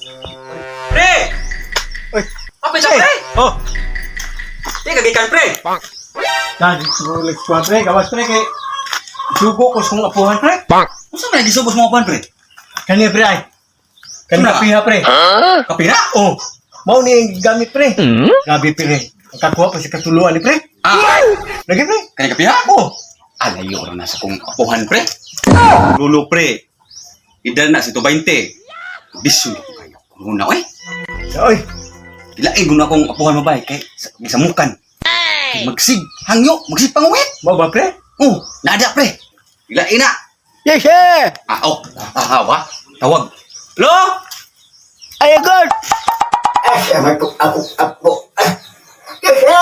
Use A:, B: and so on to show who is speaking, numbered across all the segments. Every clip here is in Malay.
A: Pre!
B: Uy.
A: Apa siya, pre?
B: Oh.
A: Di kagikan, pre.
B: Nah, Rolex ko pre, gawas pre kay sugo ko sa apuhan pre.
A: Unsa man lagi subos mo pan, pre?
B: Kani pre ay. Kani
A: Ano?
B: kapiha pre.
A: Kapira?
B: Oh. Mao ni gamit pre. Gabi pre. Ang kakuha pa si katuluan ni pre.
A: Ah,
B: Lagi pre.
A: kaya kapira?
B: Oh.
A: Alayo ra na sa kong apuhan, pre. Lulo, pre. Idal na si 20. Bisyo na ko kayo. Muna, oy.
B: Oy.
A: Ilain ko na akong apuhan mabay kay sa mukan. Magsig, hangyo, magsig panguwit.
B: Mao ba pre?
A: Oh, nada, pre. Ilain na.
C: Yes, sir.
A: Wa. Tawag. Hello?
C: Ay, God.
D: Ako. Kasi,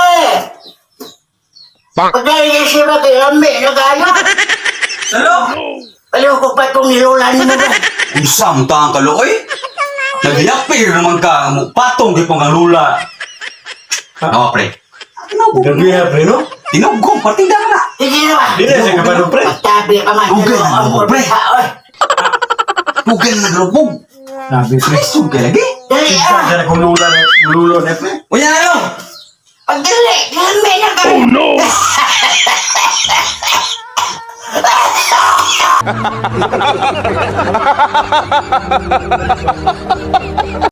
D: pagdali siya na kay Ambe, nag-ano?
A: Hello?
D: Paliw ko pa itong nilulan mo ba?
A: Usam ta ang kaloy. Nagyapir naman ka, patong di pang lula. Nawa, pre.
B: Gabi pre no?
A: Tinugong, partinda na.
D: Sige na ba?
B: Di na siya kabalo pre.
D: Pagtabi ka man.
A: Ugay na
D: Ang
A: mo, pre.
D: oy.
A: Pugel na grobog.
B: Sabi pre.
A: Ay, sugay lagi.
D: Dali
B: Isa
D: ah.
B: sa kong lulo na pre.
A: Uya na lang.
D: Pagdali, Ambe na ka. Oh no.